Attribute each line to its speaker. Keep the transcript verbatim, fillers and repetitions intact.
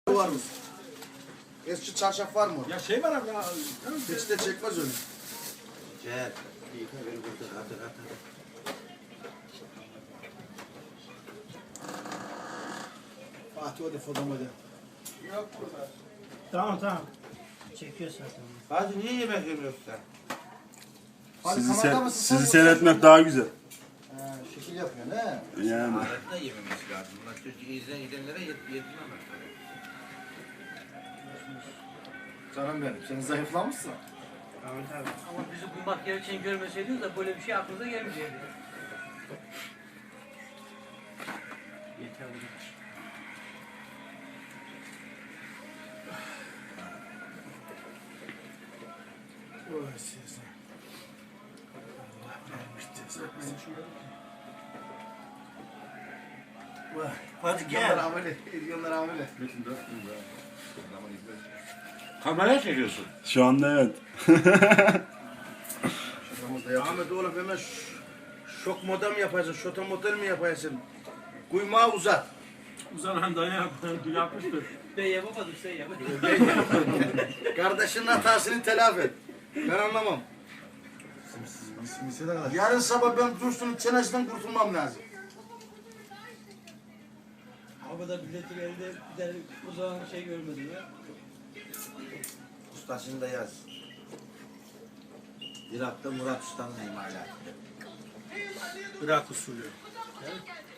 Speaker 1: Var mı? Eski çarşaf var mı?
Speaker 2: Ya şey var abi ya.
Speaker 1: Hiç de çekmez öyle.
Speaker 3: Cep. İyi ki ver burada. Hadi hadi.
Speaker 1: Fatih o da fotoğrafı da.
Speaker 2: Yok burada.
Speaker 4: Tamam tamam. Çekiyor zaten.
Speaker 3: Hadi niye yemek yemiyorsun sen?
Speaker 1: Hadi
Speaker 5: Sizi,
Speaker 1: kanalda
Speaker 5: se-
Speaker 1: mısın?
Speaker 5: sizi
Speaker 1: Sen
Speaker 5: seyretmek
Speaker 1: yoksa-
Speaker 5: daha güzel.
Speaker 1: He, şekil yapıyorsun he.
Speaker 5: Yani.
Speaker 3: Aletine yememesi lazım. Bunlar çocuk izleyen gidenlere yet yedirmemek lazım.
Speaker 1: Canım benim, sen zayıflamışsın.
Speaker 4: Ahmet abi.
Speaker 6: Ama bizi bulmak gereken görmeseydiniz de böyle bir şey aklınıza gelmeyecekti.
Speaker 4: Yeter bu.
Speaker 1: Oy size. Allah vermiş cezanı. Vay.
Speaker 4: Hadi
Speaker 1: Ediyorlar
Speaker 4: gel.
Speaker 1: amele, ediyorlar amele.
Speaker 3: Kameraya çekiyorsun.
Speaker 5: Şu anda evet.
Speaker 1: Şakamızda yap. Ahmet oğlum hemen ş- şok model mi yapacaksın, şota model mi yapacaksın? Kuymağı uzat.
Speaker 2: Uzanan dayağı yapmıştır.
Speaker 6: Ben yapamadım, sen yap.
Speaker 1: Kardeşinin hatasını telafi et. Ben anlamam. Yarın sabah ben Dursun'un çenesinden kurtulmam lazım.
Speaker 6: Havada milletin elinde bir tane o zaman şey görmedim ya.
Speaker 3: Ustasını da yaz. Irak'ta Murat Usta'nın imalatı.
Speaker 2: Irak usulü.